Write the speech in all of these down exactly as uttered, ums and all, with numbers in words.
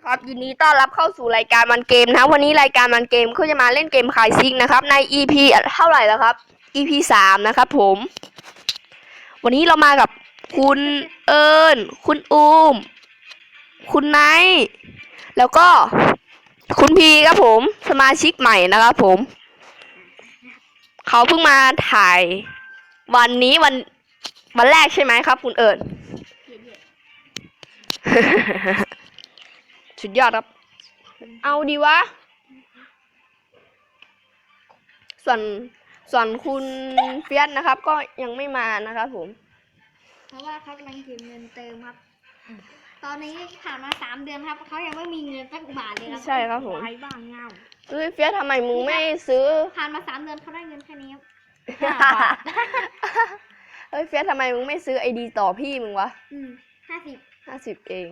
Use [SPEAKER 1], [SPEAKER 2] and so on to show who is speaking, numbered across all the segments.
[SPEAKER 1] ครับยินดีต้อนรับเข้าสู่รายการมันเกมนะวันนี้รายการมันเกมเขาจะมาเล่นเกมขายซิกนะครับใน อี พี เท่าไหร่แล้วครับ อี พี สามนะครับผมวันนี้เรามากับคุณเอิญคุณอูมคุณไนท์แล้วก็คุณพีครับผมสมาชิกใหม่นะครับผมเขาเพิ่งมาถ่ายวันนี้วันวันแรกใช่ไหมครับคุณเอิญ สุดยอดครับเอาดีวะส่วนส่วนคุณเฟียสนะครับก็ยังไม่มานะครับผม
[SPEAKER 2] เพราะว่าเขากำลังเก็บเงินเติมครับตอนนี้ผ่านมาสามเดือนครับเขายังไม่มีเงินสักบาทเลยครับ
[SPEAKER 1] ใช่ครับผม
[SPEAKER 2] ไร้บ้างเงา
[SPEAKER 1] เฮ้ยเฟียสทำไมมึงไม่ซื้อ
[SPEAKER 2] ผ่านมาสามเดือนเขาได้เงินแค่นี้ครับ
[SPEAKER 1] เฮ้ยเฟียสทำไมมึงไม่ซื้อไอดีต่อพี่มึงวะ
[SPEAKER 2] อืมห้าสิบ
[SPEAKER 1] ห้าสิบเอง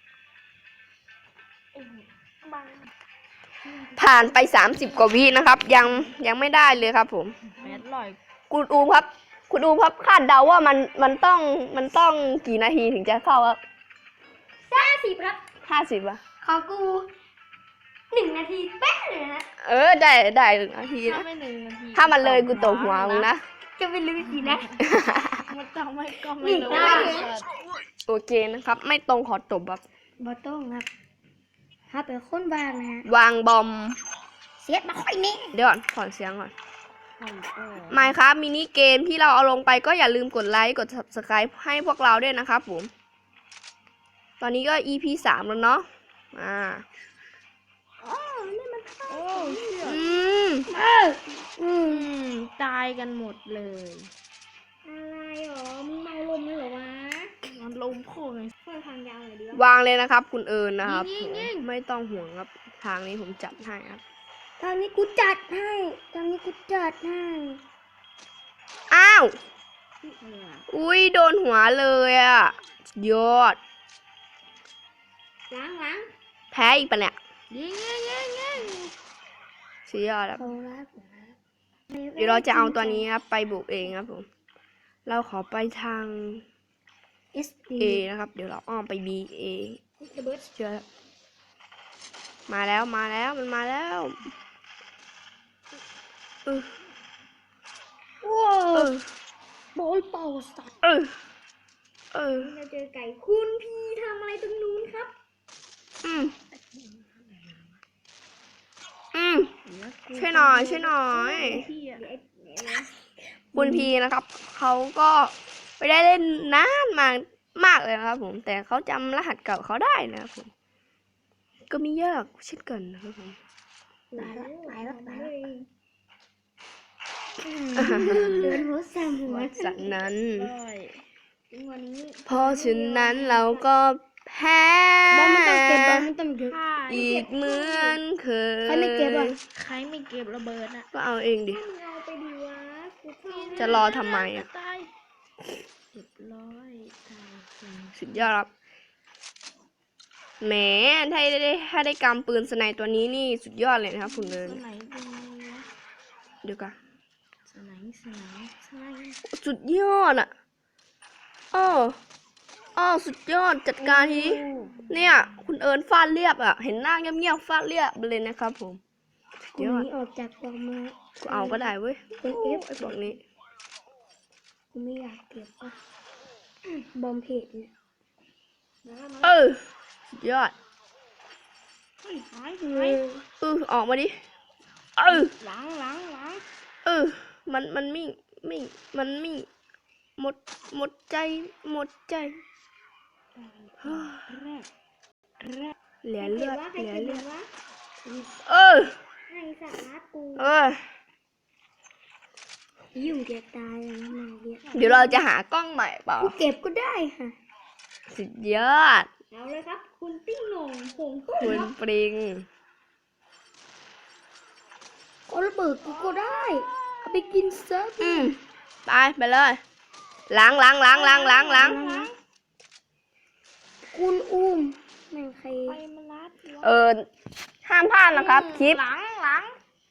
[SPEAKER 1] ผ่านไปสามสิบกว่าวินะครับยังยังไม่ได้เลยครับผม
[SPEAKER 3] แปดร้อย
[SPEAKER 1] คุณอูครับคุณอูครับคาดเดาว่ามันมันต้องมันต้องกี่นาทีถึงจะเข้าครับ
[SPEAKER 2] ห้าสิบครับ
[SPEAKER 1] ห้าสิบอะ
[SPEAKER 2] ของกูหนึ่งนาทีเป๊ะเลยนะ
[SPEAKER 1] เออได้ได้หนึ่งนาทีนะถ้ามันเลยกูตกหัวมึงนะ
[SPEAKER 2] จะไปลืมสินะ
[SPEAKER 3] มันต้องไม่ก็ไม่รู้
[SPEAKER 1] โอเคนะครับไม่ตรงขอตบครับ
[SPEAKER 2] บอต้องครับถ้าเป็นคนวางนะฮะ
[SPEAKER 1] วางบอม
[SPEAKER 2] เสียดมาค่อยนี้
[SPEAKER 1] เดี๋ยวก่อนถอนเสียงก่อนไม่ครับมินิเกมที่เราเอาลงไปก็อย่าลืมกดไลค์กด ซับสไครบ์ ให้พวกเราด้วยนะครับผมตอนนี้ก็ อี พี สามแล้วเนาะอ่า
[SPEAKER 2] อ๋อนี่มัน
[SPEAKER 3] โอ้เชี่ย
[SPEAKER 1] อืม
[SPEAKER 2] เอออืม
[SPEAKER 3] ตายกันหมดเลย
[SPEAKER 2] อะไรหรอมึงเมาลมเลยเหรอวะ
[SPEAKER 3] มันลมโค้งเลย
[SPEAKER 2] เพื่อทางยาวหน่อยดิ
[SPEAKER 1] วางเลยนะครับคุณเอิญนะครับไม่ต้องห่วงครับทางนี้ผมจัดให้ครับ
[SPEAKER 2] ทางนี้กูจัดให้ทางนี้กูจัดให้
[SPEAKER 1] อ้าวอุ้ยโดนหัวเลยอ่ะยอด
[SPEAKER 2] ล้างล้าง
[SPEAKER 1] แพ้อีกปะเนี่ย
[SPEAKER 3] ยิงยิงยิงยิง
[SPEAKER 1] สุดยอดครับเดี๋ยวเราจะเอาตัวนี้ครับไปบุกเองครับผมเราขอไปทาง A นะครับเดี๋ยวเราอ้อมไป B A เชื่อมาแล้วมาแล้วมันมาแล้วเออ
[SPEAKER 2] ว้าวบอลเป่าสัตว์
[SPEAKER 1] เออเออ
[SPEAKER 2] เราเจอไก่คุณพี่ทำอะไรตรงนู้นครับ
[SPEAKER 1] อืมอืมช่วยหน่อยช่วยหน่อยคุณพีนะครับเขาก็ไม่ได้เล่นนานมากมากเลยนะครับผมแต่เขาจำรหัสเก่าเขาได้นะครับผมก็มียากเช่นกันนะครับผม
[SPEAKER 2] ตายแล้วตายแล้วตายแล้วเดินหัวแซมหัว
[SPEAKER 1] จากนั้น
[SPEAKER 2] วันนี้
[SPEAKER 1] เพราะฉะนั้นเราก็แพ้
[SPEAKER 2] บอลไม่ต้องเก็บบอลไม่ต้องเก็บ
[SPEAKER 1] อีกเหมือนเคย
[SPEAKER 2] ใครไม่เก็บอ่ะ
[SPEAKER 3] ใครไม่เก็บระเบิดอ่ะ
[SPEAKER 1] ก็เอาเองดิ
[SPEAKER 2] เอาไปดีวะ
[SPEAKER 1] จะรอทำไมอ่ะ
[SPEAKER 3] เรียบร้อย
[SPEAKER 1] สุดยอดครับแหมถ้าได้ถ้าได้กำปืนสไนตัวนี้นี่สุดยอดเลยนะครับคุณเลยเดี๋ยวกัน
[SPEAKER 3] สไนสไนสไน
[SPEAKER 1] สุดยอดอ่ะอ้ออ้อสุดยอดจัดการทีเนี่ยคุณเอิญฟาดเรียบอ่ะเห็นหน้าเงียบๆฟาดเรียบเลยนะครับผม
[SPEAKER 2] เดี๋ยวนี้ออกจากกองมา
[SPEAKER 1] กูเอาก็ได้เว้ย
[SPEAKER 2] เป็นเอฟ
[SPEAKER 1] ไอ้พวกนี้
[SPEAKER 2] กูไม่อยากเก็บอ่ะบอมเพจเนี่ย
[SPEAKER 1] เออสุดยอด
[SPEAKER 3] หายหาย
[SPEAKER 1] เออออกมาดิเออ
[SPEAKER 3] หลังหลังหลัง
[SPEAKER 1] เออมันมันมิ่งมิ่งมันมิ่งหมดหมดใจหมดใจเหลือเลือดเหลือเลือดเออ
[SPEAKER 2] ให้สาระกู
[SPEAKER 1] เออ
[SPEAKER 2] ยุ่งเก็บตายแล้วมาเยอะ
[SPEAKER 1] เดี๋ยวเราจะหากล้องใหม่เปล่า
[SPEAKER 2] กูเก็บก็ได้ค่ะ
[SPEAKER 1] สุดยอด
[SPEAKER 2] เอาเลยครับคุณติ้งหน่งผงตุ้
[SPEAKER 1] คุณปริง
[SPEAKER 2] ก็ระเบิดกูก็ได้เอาไปกินเซิร์ฟ
[SPEAKER 1] อืมไปไปเลยล้างล้างล้างล้างล้างล้าง
[SPEAKER 2] คุณอุ้มแม่งใคร
[SPEAKER 1] เออห้ามพลาดนะครับคลิป
[SPEAKER 3] หลังหลัง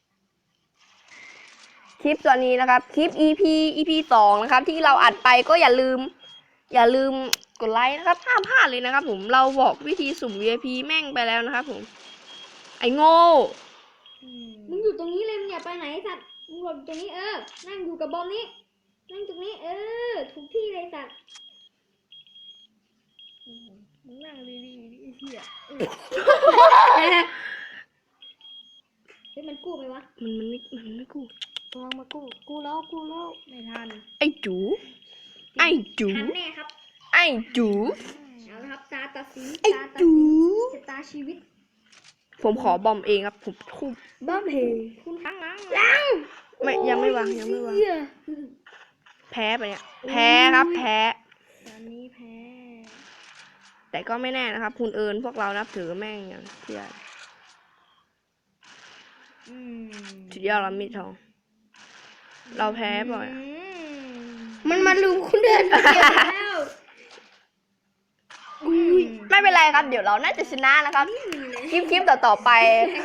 [SPEAKER 1] คลิปตัวนี้นะครับคลิป อี พี อี พี สองนะครับที่เราอัดไปก็อย่าลืมอย่าลืมกดไลค์นะครับห้ามพลาดเลยนะครับผมเราบอกวิธีสุ่ม วี ไอ พี แม่งไปแล้วนะครับผมไอ้โง่
[SPEAKER 3] อืม
[SPEAKER 2] มึงอยู่ตรงนี้เลยมึงอย่าไปไหนสัตว์มึงหลบตรงนี้เออนั่งอยู่กับบอมนี้นั่งตรงนี้เออถูกที่เลยสัตว์
[SPEAKER 3] มึงนั่งดีๆดิไอ้เหี้ย
[SPEAKER 2] เฮ้ยมันกู้ไหมวะ
[SPEAKER 1] มันมันไม่มันไม่กู
[SPEAKER 3] กำลังมากู้กู้แล้วกู้แล้วไม่ทัน
[SPEAKER 1] ไอ้จูไอ้จู
[SPEAKER 2] ทันแน่ครับ
[SPEAKER 1] ไอ้จู
[SPEAKER 2] เอาละครับตาตัดสิน
[SPEAKER 1] ไอ้
[SPEAKER 2] ตาตัด
[SPEAKER 1] จู
[SPEAKER 2] สินชะตาชีวิต
[SPEAKER 1] ผมขอบอมเองครับผมทุบ
[SPEAKER 3] บ้าเพ
[SPEAKER 2] คุณล้างล้าง
[SPEAKER 1] ไม่ยังไม่วางยังไม่วางแพ้ไปเนี่ยแพ้ครับแพ้
[SPEAKER 3] ตอนนี้แพ้
[SPEAKER 1] แต่ก็ไม่แน่นะครับ คุณเอิญพวกเรานับถือแม่งอย่างเที่ย
[SPEAKER 3] อืม
[SPEAKER 1] สุดยอดแล้วมีดทอง เราแพ้บ่อย
[SPEAKER 3] อืม
[SPEAKER 2] มันมาลุมคุณเดินคนเดียวแล้ว
[SPEAKER 3] อุ้ย
[SPEAKER 1] ไม่เป็นไรครับ เดี๋ยวเราน่าจะชนะนะครับคลิปคลิปต่อต่อๆไป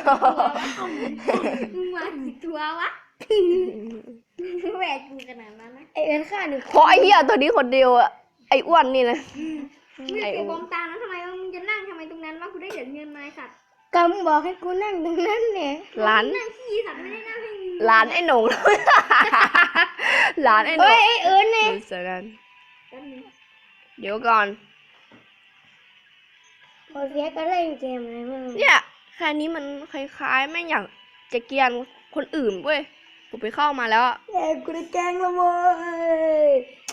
[SPEAKER 2] มึงมากี่ตัววะแหวกกูขนาดนั้นนะ
[SPEAKER 3] ไอเอิญฆ่าหนึ่ง
[SPEAKER 1] เพราะไอ้เหี้ยตัวนี้คนเดียวอะไอ้อ้วนนี่นะ
[SPEAKER 2] มึงจะเก็บบอมตานั้นทำไมมึงจะนั่งทำไมตรงนั้นวะกูได้เหรียญเงินมาไอ้สัตว์
[SPEAKER 3] ก็มึงบอกให้กูนั่งตรงนั้นเนี่ย
[SPEAKER 1] ร้าน
[SPEAKER 2] นั่งขี้สัตว์ไม่ได้นั่งให้มึง
[SPEAKER 1] ร้านไอ้หนง ร้านไอ้หน
[SPEAKER 3] เฮ้
[SPEAKER 1] ง
[SPEAKER 3] ยไอเอิญเนี่ย
[SPEAKER 1] เสร็จแล้ว
[SPEAKER 2] แป๊บนึง
[SPEAKER 1] เดี๋ยวก่อน
[SPEAKER 3] พอเสียก็เล่นเกมอะไรมึง
[SPEAKER 1] เนี่ยแค่นี้มันคล้ายๆแม่งอยากจะเกลียนคนอื่นเว้ยผมไปเข้ามาแล้วอะ
[SPEAKER 3] เอ้ยกูได้แกล้งและเว้ย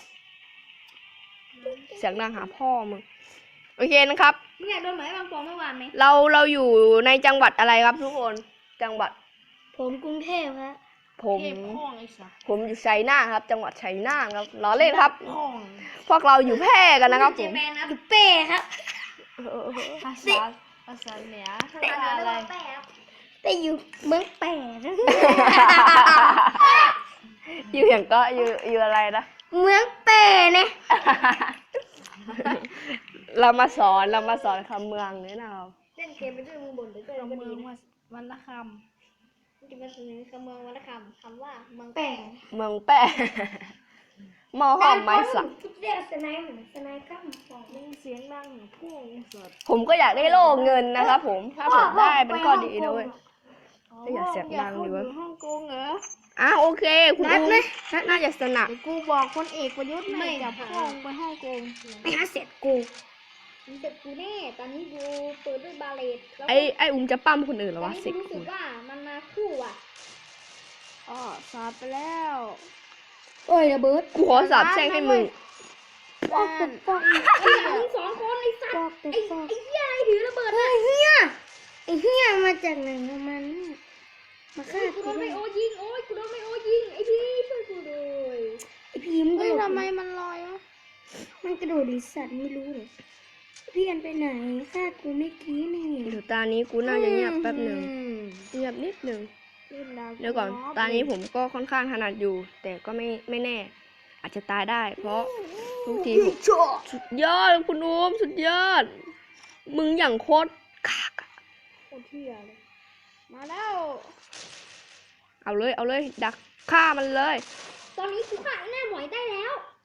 [SPEAKER 1] เสียงดังหาพ่อมึงโอเคนะครับ
[SPEAKER 2] มึงอยากโดนหมายบางปอเมื่อวานไหม
[SPEAKER 1] เราเราอยู่ในจังหวัดอะไรครับทุกคนจังหวัด
[SPEAKER 3] ผมกรุงเทพฮะ
[SPEAKER 1] ผม
[SPEAKER 3] เทพพ่องไอ้สัส
[SPEAKER 1] ผมอยู่ชัยนาทครับ จังหวัดชัยนาทครับล้อเล่นครับ
[SPEAKER 3] พ่อง
[SPEAKER 1] พวกเราอยู่แพร่กันนะครับผ
[SPEAKER 2] เจ
[SPEAKER 1] ม
[SPEAKER 2] แปนนะ
[SPEAKER 3] เป้ครับภาษาภาษาเหนือภา
[SPEAKER 2] แต่
[SPEAKER 3] ษา
[SPEAKER 2] เรีย
[SPEAKER 3] อะไร
[SPEAKER 2] กว่าแปะครับ
[SPEAKER 3] แต่อยู่เมืองแปดนะ
[SPEAKER 1] อยู่อย่างก็อยู่อยู่อะไรนะ
[SPEAKER 3] เมืองแปดเนี่ย
[SPEAKER 1] เรามาสอนเรามาสอนคำเมืองเนี่ยนะครับ
[SPEAKER 2] เล่นเกมไปด้วยมึงบ่นไปด้วยก็
[SPEAKER 3] เมื
[SPEAKER 2] ดี
[SPEAKER 3] อง
[SPEAKER 2] นะ
[SPEAKER 3] วันละค
[SPEAKER 2] มึงจะมาเสนอคำเมืองวรรณคำคำว่าเมือง
[SPEAKER 3] ำแป
[SPEAKER 2] แปะ
[SPEAKER 3] ด
[SPEAKER 1] เมืองแป้ หมอหอมไม้สัก
[SPEAKER 3] เรียกสไนเหมือนสไนก็บอกมึงเสียงดังพ่องไอ้สัส
[SPEAKER 1] ผมก็อยากได้โล่เงินนะครับผมถ้าผมได้เป็นข้อดีนะเว้ย ไม่อยากเสียงดังดีวะ
[SPEAKER 3] อยู่ฮ่องกงเหรอ
[SPEAKER 1] อ่ะโอเค คุณ
[SPEAKER 3] นัด
[SPEAKER 1] อุ้ม
[SPEAKER 3] ไหม
[SPEAKER 1] น่าจะสนับ
[SPEAKER 3] เดี๋ยวกูบอกคนเอกประยุทธ์ไม่จับพ่องไปฮ่องกงไปหาเสร็จกู
[SPEAKER 2] มึงเสร็จกูแน่ตอนนี้กูเปิดด้วยบาเลตแล้ว
[SPEAKER 1] ไอ้ไอ้อุ้มจะปั้มคนอื่นเหรอ
[SPEAKER 2] ตอน
[SPEAKER 1] วะ
[SPEAKER 2] นี้
[SPEAKER 1] เซ็
[SPEAKER 2] กู
[SPEAKER 1] ก
[SPEAKER 2] รู้สึ
[SPEAKER 1] กู
[SPEAKER 2] กว่ามันมาคู่อ่ะ
[SPEAKER 3] อ๋อสาบไปแล้วโอ้ยระเบิด
[SPEAKER 1] กูขอสาบแช่งให้มึง
[SPEAKER 3] ปอกตึกปอก
[SPEAKER 2] ไอ้หลังมึงสองคนไอ้สัต
[SPEAKER 3] ป
[SPEAKER 2] ว์
[SPEAKER 3] อกตึก
[SPEAKER 2] ไอ้
[SPEAKER 3] ปอก
[SPEAKER 2] ไอ้เหี้ยอะไรถือระเบิด
[SPEAKER 3] ไอ้
[SPEAKER 2] นะ
[SPEAKER 3] เหี้ยไอ้เหี้ยมาจากไหนของมันเนี่ยมาฆ่า
[SPEAKER 2] กู
[SPEAKER 3] กู
[SPEAKER 2] โดนไม
[SPEAKER 3] ด้วย
[SPEAKER 2] โอยิงโอ้ยกูโดนไมโอยิงไอ้พี่ช่วยกูด้วย
[SPEAKER 3] ไอ้พีมกระโดด
[SPEAKER 4] ทำไมมันลอยวะ
[SPEAKER 3] มันกระโดดดิสัตว์ไม่รู้เลยพี่อันไปไหนฆ่ากูไม่กี้นี่
[SPEAKER 1] เดี๋ยวตานี้กูน่าจะเงียบแป๊บหนึ่งเงียบนิดหนึ่งเดี๋ยวก่อน ตานี้ผมก็ค่อนข้างถนัดอยู่ แต่ก็ไม่ไม่แน่ อาจจะตายได้ เพราะทุกทีผมสุดยอดคุณอุ้มสุดยอด มึงอย่างโคตรกากอะ
[SPEAKER 3] โคตรเที่ยเลยมาแล้ว
[SPEAKER 1] เอาเลยเอาเลยดักฆ่ามันเลย
[SPEAKER 2] ตอนนี้กูฆ่าไอ้หน้าหมวยได้แล้ว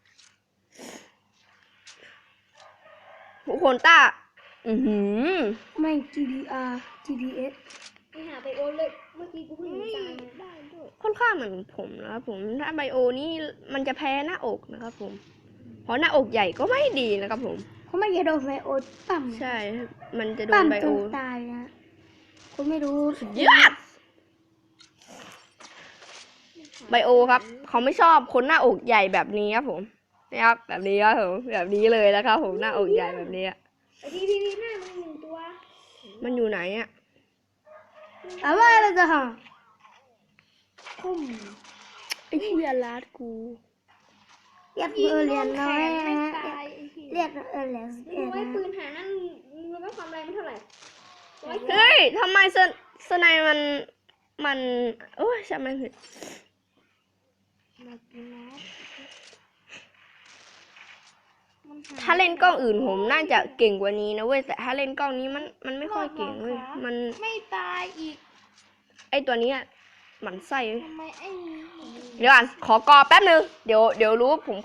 [SPEAKER 1] ทุกคนต้า อือหือ
[SPEAKER 3] ไม่ จี ดี อาร์ จี ดี เอส
[SPEAKER 2] ไปหาไบโอเลยเมื่อกี้กูเพิ่งหนีตายมา
[SPEAKER 3] ได้ด้วย
[SPEAKER 1] ค่อนข้างเหมือนผมนะครับผมถ้าไบโอนี่มันจะแพ้หน้าอกนะครับผม เพราะหน้าอกใหญ่ก็ไม่ดีนะครับผม
[SPEAKER 3] เขาไม่จะโดนไบโอปั๊ม
[SPEAKER 1] ใช่ มันจะโด
[SPEAKER 3] ปั๊
[SPEAKER 1] น
[SPEAKER 3] ม
[SPEAKER 1] ไบ
[SPEAKER 3] จ
[SPEAKER 1] โอน
[SPEAKER 3] ตายนะคุณไม่รู้
[SPEAKER 1] ยอดไบโอครับ เขาไม่ชอบคนหน้าอกใหญ่แบบนี้ครับผมนะครับแบบนี้ครับผมแบบนี้เลยนะครับผมหน้าอกใหญ่แบบนี้อะ
[SPEAKER 2] ไอ้พี่พี่พี่หน้ามึงหนึ่งตัว
[SPEAKER 1] มันอยู่ไหนอ่ะ
[SPEAKER 3] อะไรเราจะหาคุ้ม
[SPEAKER 1] ไอ้เหี้ยลาดกู
[SPEAKER 3] เรียกเออเรียนน้อย
[SPEAKER 2] ไม่
[SPEAKER 3] นะ
[SPEAKER 2] ตายไอ้พี่
[SPEAKER 3] เรียกเออเรียนสิบ
[SPEAKER 2] มึ
[SPEAKER 3] เอ็
[SPEAKER 2] ง
[SPEAKER 3] ด
[SPEAKER 2] ไว้
[SPEAKER 3] นะ
[SPEAKER 2] ปืนหานั่นมึงรู้ไหมความแรงมันเท่าไหร่ร้อย
[SPEAKER 1] เฮ้ยทำไมสนสไนมันมันโอ้ยช่างมันเถอะ
[SPEAKER 3] มากินนะมันห
[SPEAKER 1] ถ้าเล่นกล้องอื่นผมน่าจะเก่งกว่านี้นะเว้ยแต่ถ้าเล่นกล้องนี้มันมันไม่ค่อยเก่งเว้ยมัน
[SPEAKER 3] ไม่ตายอีก
[SPEAKER 1] ไอตัวเนี้ยหมันไส้
[SPEAKER 3] ทำไมไอ้
[SPEAKER 1] เดี๋ยวก่อนขอกอแป๊บนึงเดี๋ยวเดี๋ยวรู้ผม
[SPEAKER 3] อ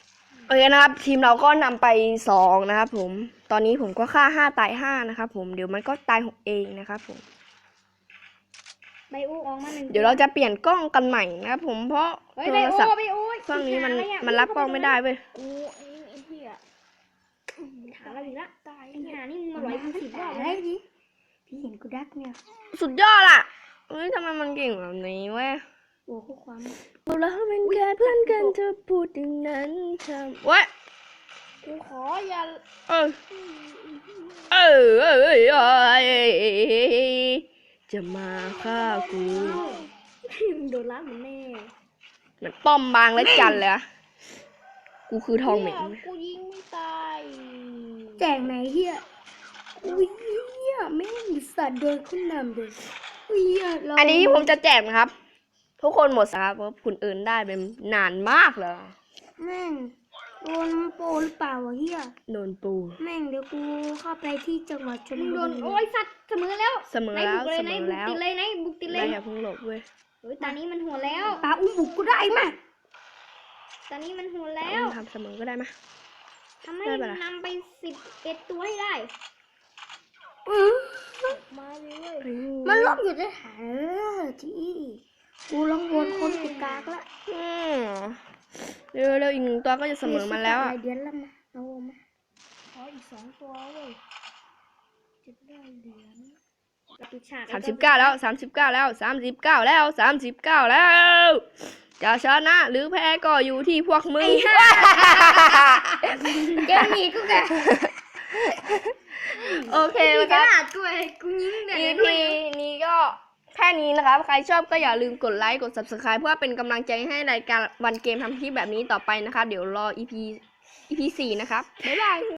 [SPEAKER 1] โอเคนะครับ ทีมเราก็นำไปสองนะครับผมตอนนี้ผมก็ฆ่าห้าตายห้านะครับผมเดี๋ยวมันก็ตายหกเองนะครับผม
[SPEAKER 2] ไบโอออกมาหนึ่ง
[SPEAKER 1] เดี๋ยวเราจะเปลี่ยนกล้องกันใหม่นะครับผมเพราะ
[SPEAKER 2] เฮ้ย
[SPEAKER 1] โท
[SPEAKER 2] ไบ
[SPEAKER 1] ร
[SPEAKER 2] โอ
[SPEAKER 1] ศัพท์
[SPEAKER 2] ไบโอ
[SPEAKER 1] เครื่องนี้มัน
[SPEAKER 2] หาอะไรอะ
[SPEAKER 1] มันรับกล้องไม่ได้เว้ย
[SPEAKER 2] กูไอ้ไอ้เหี้ยหาอะไรอีกละตายไอ้หานี่มึงมาร้อยกูสิบรอบ
[SPEAKER 3] อะไร
[SPEAKER 2] แล้ว
[SPEAKER 3] ดิพี่เห็นกูดักเนี่ย
[SPEAKER 1] สุดยอดอ่ะเฮ้ยทำไมมันเก่งแบบนี้เว้ย
[SPEAKER 3] โอ้ข้อความ
[SPEAKER 1] เราเป็นแค่เพื่อนกันเธอพูดอย่างนั้นทำเว้ย
[SPEAKER 2] กูขออย่า
[SPEAKER 1] เออเออเออเออเออจะมาฆ่ากู
[SPEAKER 3] มึงโดนล้างเหมือนแม่
[SPEAKER 1] เหมือนป้อมบางและจันเลยอะกูคือทองเหม็น
[SPEAKER 2] กูยิงไม่ตาย
[SPEAKER 3] แจกไหนเฮียอุ้ยเฮียแม่งสัตว์โดนขึ้นนำเลยอุ้ยเฮียเรา
[SPEAKER 1] อันนี้ผมจะแจกนะครับ ทุกคนหมดสครับเพราะคุณเอิญได้เป็นนานมากเลย
[SPEAKER 3] แม่งโดนโปรหรือเปล่าวะเฮีย
[SPEAKER 1] โดนปู
[SPEAKER 3] แม่งเดี๋ยวกูเข้าไปที่จังหวัดชล
[SPEAKER 2] มึง
[SPEAKER 3] บุ
[SPEAKER 2] โดน
[SPEAKER 3] รี
[SPEAKER 2] โอ้ยสัตว์เสมอแล้ว
[SPEAKER 1] เสมอ
[SPEAKER 2] ไหน
[SPEAKER 1] แล้ว
[SPEAKER 2] บุกเลย
[SPEAKER 1] เส
[SPEAKER 2] ไหน
[SPEAKER 1] มอ
[SPEAKER 2] บุก
[SPEAKER 1] แล้ว
[SPEAKER 2] ติดเลยไหนบุกติดเล
[SPEAKER 1] ไม่
[SPEAKER 2] ย
[SPEAKER 1] อย่าเพิ่งหลบเว้ย
[SPEAKER 2] เฮ้ยตอนนี้มันหัวแล้ว
[SPEAKER 3] ปลาอุ้มบุกกูได้ไหม
[SPEAKER 2] ตอนนี้มันหัว
[SPEAKER 1] แล้
[SPEAKER 2] แล้ว ว
[SPEAKER 1] ทำเสมอก็ได้ไหม
[SPEAKER 2] ทำให้
[SPEAKER 1] ได้ปะล่ะ
[SPEAKER 2] นำไปสิบเอ็ดตัวให้ได้
[SPEAKER 3] อื้อ
[SPEAKER 2] มาเลย
[SPEAKER 3] มันล็อกอยู่ในฐานเออที่กูลองวนคนติดกากละ
[SPEAKER 1] อืมเร็วเร็วอีกหนึ่งตัวก็จะเสมอมาแล้วอ่ะ
[SPEAKER 3] หายเดือนละมาเอามา
[SPEAKER 2] ขออีกสองตัวเว้ยจะได้เหรียญกับปิดฉาก
[SPEAKER 1] สามสิบเก้าแล้วสามสิบเก้าแล้วสามสิบเก้าแล้วสามสิบเก้าแล้วจะชนะหรือแพ้ก็อยู่ที่พวกมึง
[SPEAKER 3] เกมนี้กูแก
[SPEAKER 1] โอเค
[SPEAKER 2] มี
[SPEAKER 1] นะ
[SPEAKER 2] ก
[SPEAKER 1] ค
[SPEAKER 2] ระ
[SPEAKER 1] รับ
[SPEAKER 2] ดาษด้วยกูยิงแต่
[SPEAKER 1] อี
[SPEAKER 2] ด้วย
[SPEAKER 1] พีนี้ก็แค่นี้นะครับ ใครชอบก็อย่าลืมกดไลค์ กด ซับสไครบ์ เพื่อเป็นกำลังใจให้รายการวันเกมทำคลิปแบบนี้ต่อไปนะครับ เดี๋ยวรอ อี พี อี พี สี่นะครับ บ๊ายบาย